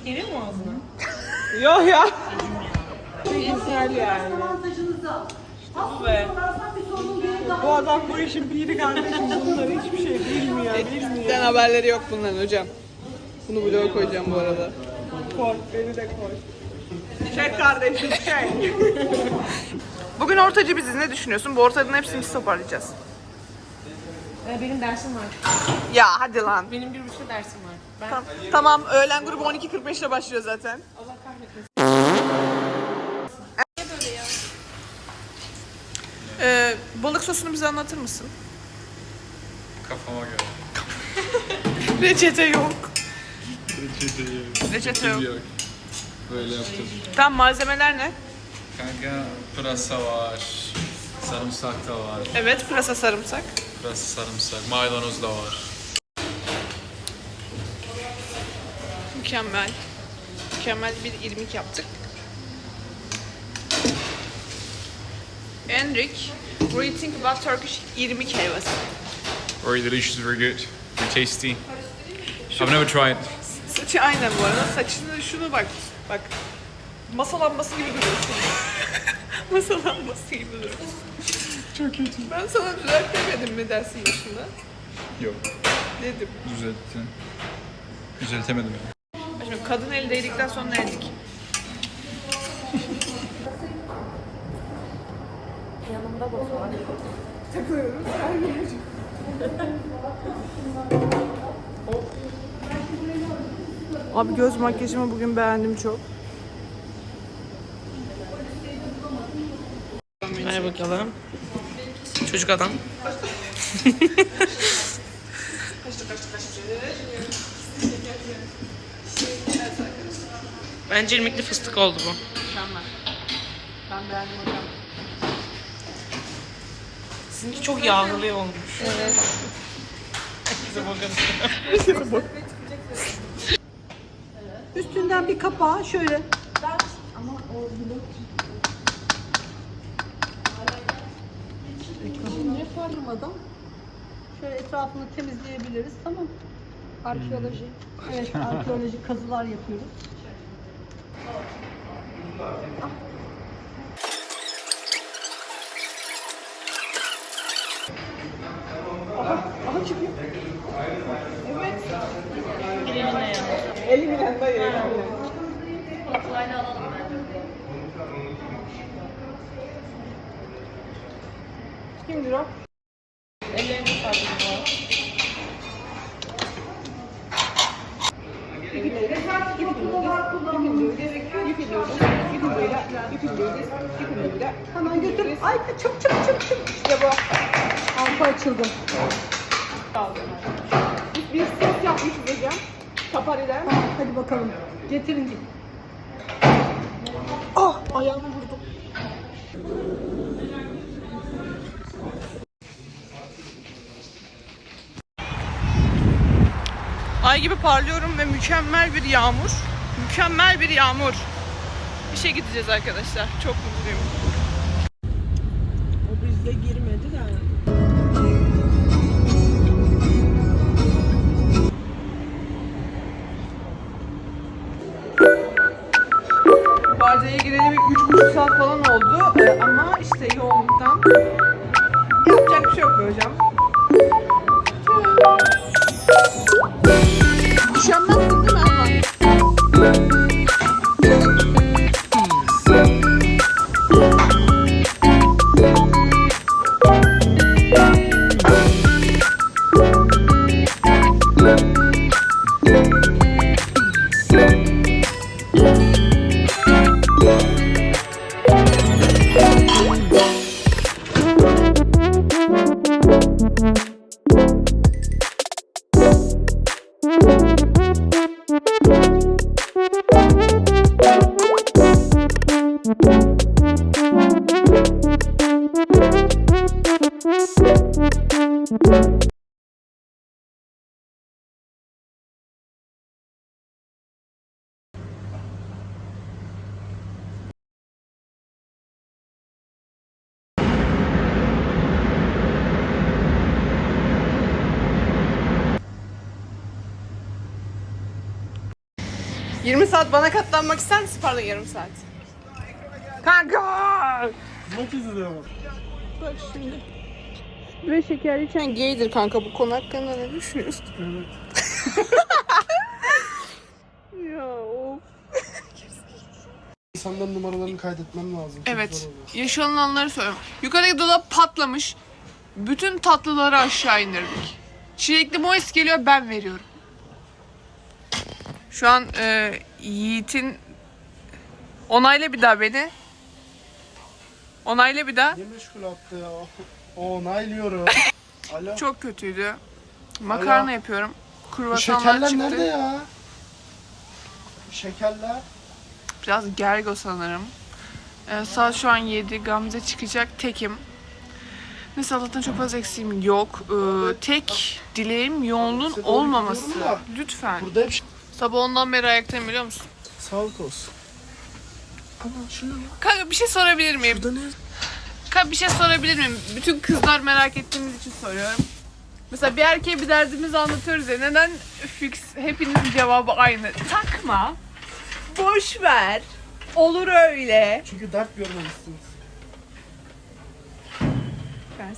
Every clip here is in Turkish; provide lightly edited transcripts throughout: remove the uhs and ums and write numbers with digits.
Geliyor mu ağzına? Yok ya. Güzel yani. Ve bu adam bu işin piri kardeşim. Bunlar hiçbir şey bilmiyor. Bizden haberleri yok bunların hocam. Bunu bloğa koyacağım bu arada. Koy, beni de koy. Çek kardeşim, çek. Bugün ortacı biziz. Ne düşünüyorsun? Bu ortacının hepsini biz toparlayacağız. Benim dersim var. Ya hadi lan. Benim 1,5 dersim var. Ben Tamam, öğlen grubu 12.45'te başlıyor zaten. Allah kahretmesin. Balık sosunu bize anlatır mısın? Kafama göre. Reçete yok. Reçete Reçete yok. Böyle yaptım. Tam malzemeler ne? Kanka pırasa var. Sarımsak da var. Evet, pırasa sarımsak. Pırasa sarımsak. Maydanoz da var. Mükemmel. Mükemmel bir irmik yaptık. Enric, what do you think about Turkish irmik helvası? Very delicious, very good. Very tasty. I've never tried. Saçı aynen bu arada. Saçını şunu bak. Bak. Masa lambası gibi duruyorsun. Masa lambası gibi duruyorsun. Çok kötü. Ben sana düzelt demedim mi dersin başında? Yok. Dedim. Düzelttim. Düzeltemedim yani. Şimdi kadın eli değdikten sonra ne yedik? Yanımda bozu var. Takılıyoruz. Abi göz makyajımı bugün beğendim çok. Ver bakalım. Çocuk adam. Bence irmikli fıstık oldu bu. Mükemmel. Ben beğendim hocam. Sizinki çok yağlı olmuş. Evet. Bize bakalım. Üstünden bir kapağı şöyle. Şimdi farlamadan şöyle etrafını temizleyebiliriz, tamam. Arkeoloji. Evet, arkeolojik kazılar yapıyoruz. Aha çıkıyor. Evet. Elimine ya. Elimle dayı. Kolayla alalım bence. Kimdir o? Ellerini sardım bu arada. Hemen götür. Ay çık. İşte bu. Arpa açıldı. Biz bir sos yapmışız hocam. Kapariden. Hadi bakalım. Getirin git. Ah ayağımı vurdum. Ay gibi parlıyorum ve mükemmel bir yağmur. Mükemmel bir yağmur. İşe gideceğiz arkadaşlar. Çok mutluyum. O bizde girmedi de. Barca'ya gireli bir 3,5 saat falan oldu. Ama işte yoğunluktan yapacak bir şey yok be hocam. Üşenmezsin değil mi Erman? 20 saat bana katlanmak ister misin? Pardon, yarım saat. Kanka! Maç izliyorum. Bak şimdi. Böyle şeker içen gaydir kanka. Bu konu hakkında ne düşünüyorsun? Evet. Ya of. İnsanların numaralarını kaydetmem lazım. Çok Evet. zor oluyor. Yaşanılanları söylüyorum. Yukarıdaki dolap patlamış. Bütün tatlıları aşağı indirdik. Çilekli moes geliyor, ben veriyorum. Şu an Yiğit'in... Onayla bir daha beni. Onayla bir daha. Ne meşgul attı ya? Onaylıyorum. Alo. Çok kötüydü. Makarna Alo. yapıyorum. Bu Kruvasanlar şekerler çıktı. nerede ya? Şekerler. Biraz gergo sanırım. Saat şu an 7. Gamze çıkacak. Tekim. Neyse Allah'tan çok fazla eksiğim yok. Tek dileğim yoğunluğun Size doğru olmaması. gidiyorum da. Lütfen. Burada hep Sabah ondan beri ayaktayım biliyor musun? sağlık olsun. Ama şunu Kanka bir şey sorabilir miyim? burada ne? Kanka bir şey sorabilir miyim? Bütün kızlar merak ettiğimiz için soruyorum. Mesela bir erkeğe bir derdimizi anlatıyoruz ya. Neden fix hepinizin cevabı aynı? Takma. Boş ver. Olur öyle. Çünkü dert görmemişsiniz. Ben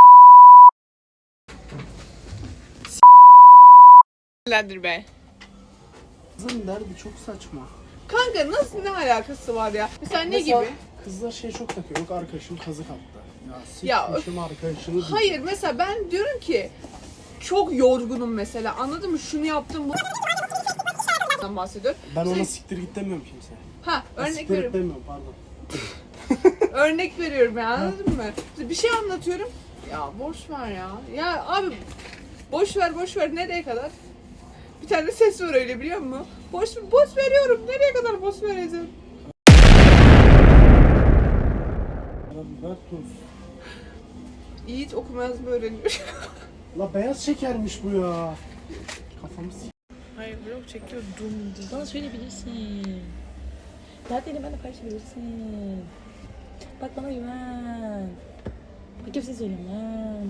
s***lendir be. Kızın derdi çok saçma. Kanka nasıl, ne alakası var ya? Mesela ne Mesela gibi? Kızlar şey çok takıyor. Yok arkadaşım kazık attı. Ya Ya, sikmişim arkadaşını değil. Hayır mesela ben diyorum ki çok yorgunum mesela, anladın mı? Şunu yaptım bu bahsediyorum. Ben ona siktir git demiyorum kimseye. Ha örnek Siktir git veriyorum. demiyorum pardon. Örnek veriyorum ya, anladın mı? Bir şey anlatıyorum. Ya boş ver ya. Ya abi boş ver nereye kadar? Bir tane ses var öyle, biliyor musun? Boş veriyorum. Nereye kadar boş vereceğim? Ver tuz. Yiğit okuma yazma öğreniyor. La beyaz şekermiş bu ya. Kafamı s***. Hayır vlog çekiyor Bana söyleyebilirsin. Dertlerini benimle paylaşabilirsin. Bak bana güven. Bak kimse söylemem.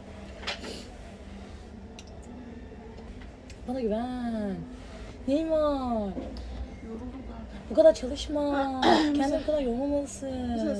Bana güven. Neyin var? Bu kadar çalışma. Kendini bu kadar yormamalısın.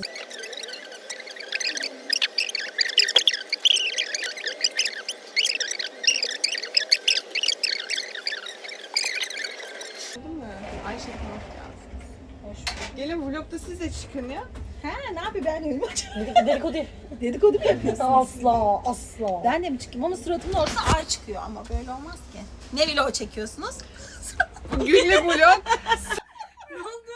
Ayşe tamam gelsin. Gelin vlogda siz de çıkın ya. He ne yapayım ben de Dedikodu. dedikodu mu yapıyorsun? Asla asla. Ben de mi çıkayım ama suratımın ortasına ay çıkıyor ama böyle olmaz ki. Ne vlog çekiyorsunuz? Günlük vlog. Ne oldu?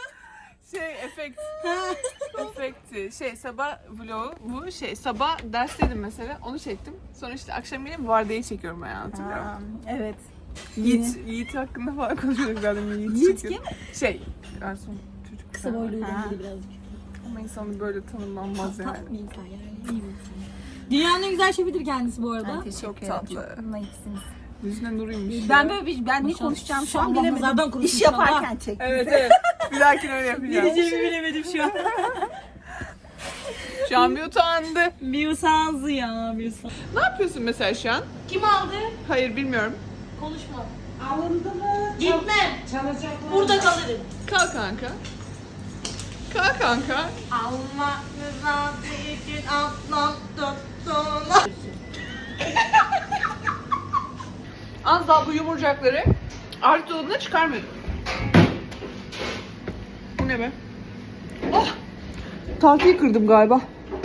Efekti. Sabah vlogu bu sabah dersteydim mesela, onu çektim. Sonra işte akşam yine vardiya çekiyorum ben, hatırlıyor musun? Evet. Yiğit hakkında falan konuşuyorduk zaten. Yiğit kim? Garson çocuk. Kısa boyluyla ilgili birazcık. Ama insanı böyle tanımlanmaz yani. Tatlı bir insan yani. İyi bir insan. Dünyanın en güzel şefidir kendisi bu arada. Çok tatlı. Naifsiniz. Yüzüne nuruymuş. Ben ne konuşacağım şu an Allah bilemedim. nazardan korusun İş inşallah. yaparken çek. Evet. Bir dahakine öyle yapacağım. Diyeceğimi bilemedim şu an. Şu an bir utandı. Bir usanzı ya, bir usanzı. Ne yapıyorsun mesela şu an? Kim aldı? Hayır bilmiyorum. Konuşma. Alındı mı? Gitmem. Çalacaklar. Burada kalırım. Kalk kanka. Kalk kanka. Allah rızası için atlan tuttular. Az daha bu yumurcakları artık dolabına çıkarmıyordum. Bu ne be? Oh! Tahtayı kırdım galiba.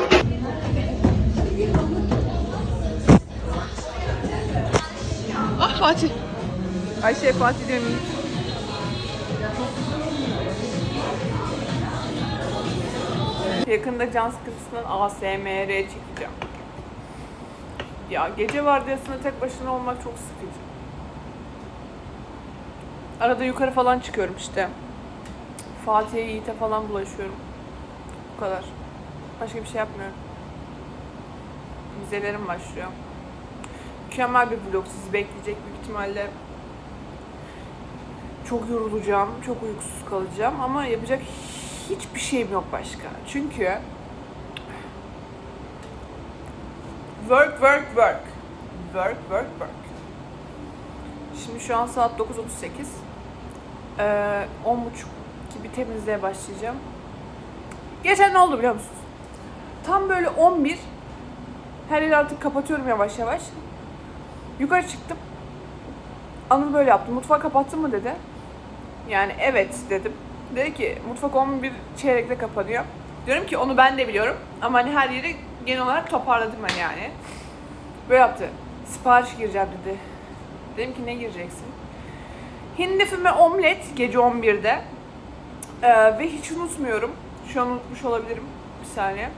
Ah Fatih. Ayşe Fatih demeyeyim. Yakında can sıkıntısından ASMR çekeceğim. Ya gece vardiyasında tek başına olmak çok sıkıcı. Arada yukarı falan çıkıyorum işte. Fatih'e, Yiğit'e falan bulaşıyorum. Bu kadar. Başka bir şey yapmıyorum. Vizelerim başlıyor. Mükemmel bir vlog sizi bekleyecek büyük ihtimalle. Çok yorulacağım, çok uykusuz kalacağım ama yapacak hiçbir şeyim yok başka. Çünkü work. Şimdi şu an saat 9:38. 10.30 gibi temizliğe başlayacağım. Geçen ne oldu biliyor musunuz? Tam böyle 11, her yeri artık kapatıyorum yavaş yavaş. Yukarı çıktım. Anıl böyle yaptı. Mutfağı kapattın mı dedi. Yani evet dedim. Dedi ki mutfak 11 çeyrekte kapanıyor. Diyorum ki onu ben de biliyorum. Ama hani her yeri genel olarak toparladım ben yani. Böyle yaptı. Sipariş gireceğim dedi. Dedim ki ne gireceksin? Hindi füme omlet gece 11'de. Ve hiç unutmuyorum. Şu an unutmuş olabilirim. Bir saniye.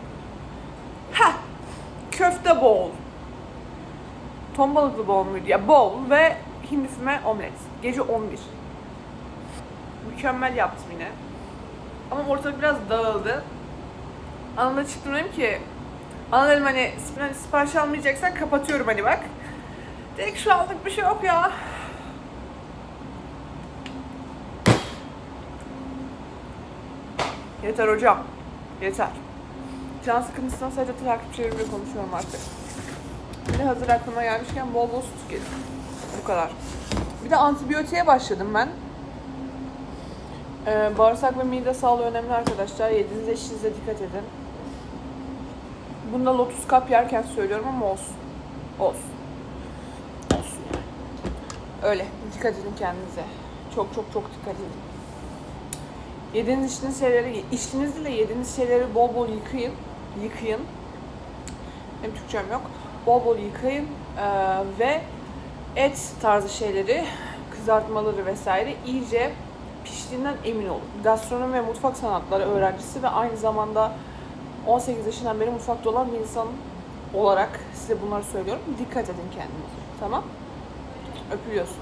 Köfte bowl. Ton balıklı bowl muydu? Ya bowl ve hindi füme omlet. Gece 11. Mükemmel yaptım yine. Ama ortalık biraz dağıldı. Anıl'a çıktım dedim ki Anıl dedim hani sipariş almayacaksan kapatıyorum hani bak. Dedik şu aldık bir şey yok ya. Yeter hocam. Yeter. Can sıkıntısından sadece takipçilerimle konuşuyorum artık. Bir de hazır aklıma gelmişken bol bol su tüketin. Bu kadar. Bir de antibiyotiğe başladım ben. Bağırsak ve mide sağlığı önemli arkadaşlar. Yediğiniz eşinize dikkat edin. Bunda lotus kap yerken söylüyorum ama olsun. Olsun. Olsun yani. Öyle. Dikkat edin kendinize. Çok çok çok dikkat edin. Yediğiniz içtiğiniz şeyleri, içtiğiniz ile yediğiniz şeyleri bol bol yıkayın. Yıkayın. Benim Türkçem yok. Bol bol yıkayın ve et tarzı şeyleri, kızartmaları vesaire iyice piştiğinden emin olun. Gastronomi ve mutfak sanatları öğrencisi ve aynı zamanda 18 yaşından beri mutfakta olan bir insan olarak size bunları söylüyorum. Dikkat edin kendinize. Tamam? Öpüyorsunuz.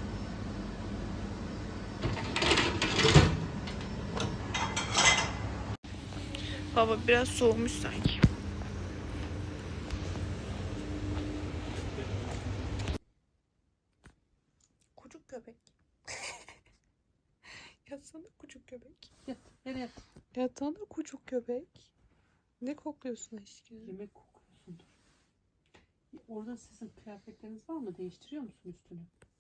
Hava biraz soğumuş sanki. Kucuk köpek. Yatsana kucuk köpek. Yat. Nereye yat? Yatsana kucuk köpek. Ne kokluyorsun aşkım? Yemek kokuyorsundur. Orada sizin kıyafetleriniz var mı? Değiştiriyor musun üstünü?